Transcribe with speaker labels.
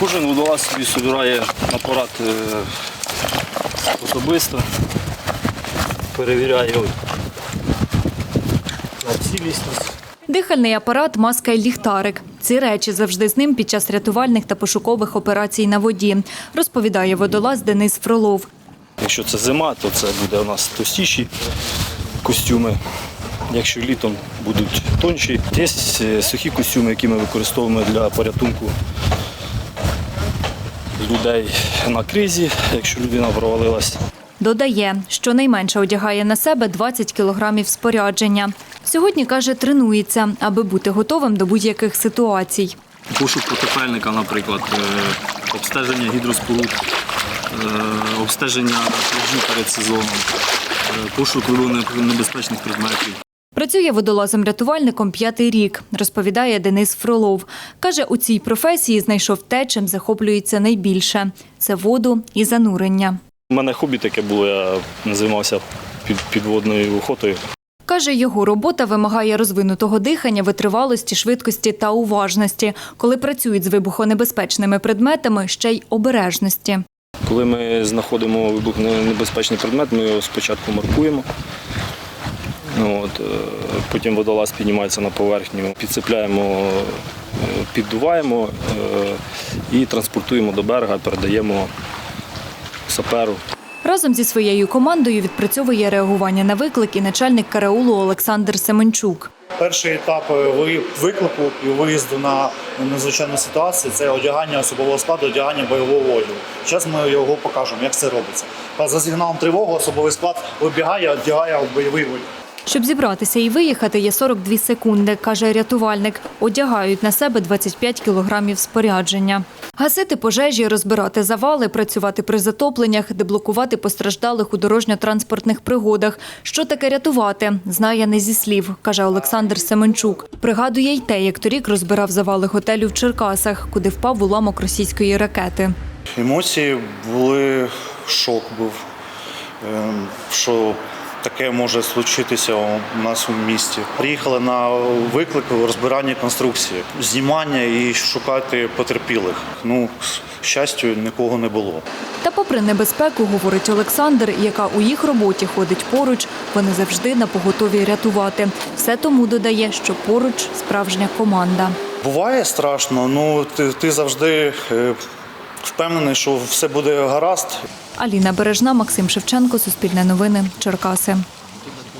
Speaker 1: Кожен водолаз собі збирає апарат особисто, перевіряє на цілісність.
Speaker 2: Дихальний апарат, маска і ліхтарик. Ці речі завжди з ним під час рятувальних та пошукових операцій на воді, розповідає водолаз Денис Фролов.
Speaker 1: Якщо це зима, то це буде у нас товстіші костюми. Якщо літом будуть тонші. Є сухі костюми, які ми використовуємо для порятунку людей на кризі, якщо людина провалилась.
Speaker 2: Додає, що найменше одягає на себе 20 кілограмів спорядження. Сьогодні, каже, тренується, аби бути готовим до будь-яких ситуацій.
Speaker 1: Пошук потопельника, наприклад, обстеження гідроспоруд, обстеження пляжів перед сезоном, пошук небезпечних предметів.
Speaker 2: Працює водолазом-рятувальником 5-й рік, розповідає Денис Фролов. Каже, у цій професії знайшов те, чим захоплюється найбільше – це воду і занурення.
Speaker 1: У мене хобі таке було, я займався підводною охотою.
Speaker 2: Каже, його робота вимагає розвинутого дихання, витривалості, швидкості та уважності. Коли працюють з вибухонебезпечними предметами, ще й обережності.
Speaker 1: Коли ми знаходимо вибухонебезпечний предмет, ми його спочатку маркуємо. Потім водолаз піднімається на поверхню, підцепляємо, піддуваємо і транспортуємо до берега, передаємо саперу.
Speaker 2: Разом зі своєю командою відпрацьовує реагування на виклик і начальник караулу Олександр Семенчук.
Speaker 3: Перший етап виклику і виїзду на надзвичайну ситуацію – це одягання особового складу, одягання бойового одягу. Зараз ми його покажемо, як це робиться. За сигналом тривоги особовий склад вибігає, одягає бойовий одяг.
Speaker 2: Щоб зібратися і виїхати, є 42 секунди, каже рятувальник. Одягають на себе 25 кілограмів спорядження. Гасити пожежі, розбирати завали, працювати при затопленнях, деблокувати постраждалих у дорожньо-транспортних пригодах. Що таке рятувати, знає не зі слів, каже Олександр Семенчук. Пригадує й те, як торік розбирав завали готелю в Черкасах, куди впав уламок російської ракети.
Speaker 3: Емоції були, шок був, що таке може случитися у нас у місті. Приїхали на виклик розбирання конструкції, знімання і шукати потерпілих. К щастю, нікого не було.
Speaker 2: Та попри небезпеку, говорить Олександр, яка у їх роботі ходить поруч, вони завжди напоготові рятувати. Все тому додає, що поруч справжня команда.
Speaker 3: Буває страшно, але ти завжди впевнений, що все буде гаразд.
Speaker 2: Аліна Бережна, Максим Шевченко, Суспільне новини, Черкаси.